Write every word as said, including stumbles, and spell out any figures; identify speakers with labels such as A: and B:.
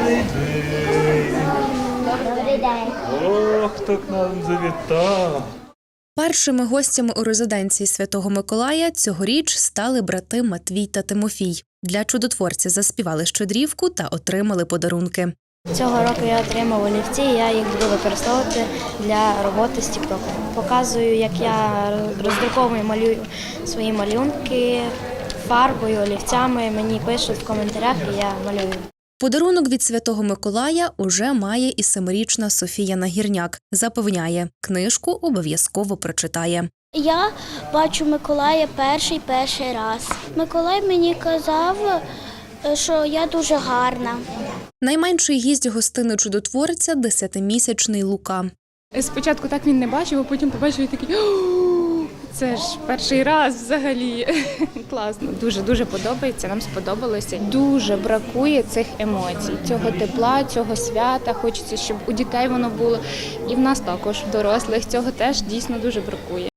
A: Добрий день.
B: Ох, хто к нам завітав.
C: Першими гостями у резиденції Святого Миколая цьогоріч стали брати Матвій та Тимофій. Для чудотворця заспівали щедрівку та отримали подарунки.
A: Цього року я отримав олівці, і я їх буду використовувати для роботи з тіктоком. Показую, як я роздруковую, малюю свої малюнки фарбою, олівцями. Мені пишуть в коментарях, і я малюю.
C: Подарунок від Святого Миколая уже має і семирічна Софія Нагірняк. Запевняє, книжку обов'язково прочитає.
D: Я бачу Миколая перший перший раз. Миколай мені казав, що я дуже гарна.
C: Найменший гість гостини чудотворця – десятимісячний Лука.
E: Спочатку так він не бачив, а потім побачив і такий: «О, це ж перший раз взагалі». Класно, дуже-дуже подобається, нам сподобалося. Дуже бракує цих емоцій, цього тепла, цього свята. Хочеться, щоб у дітей воно було. І в нас також, в дорослих, цього теж дійсно дуже бракує.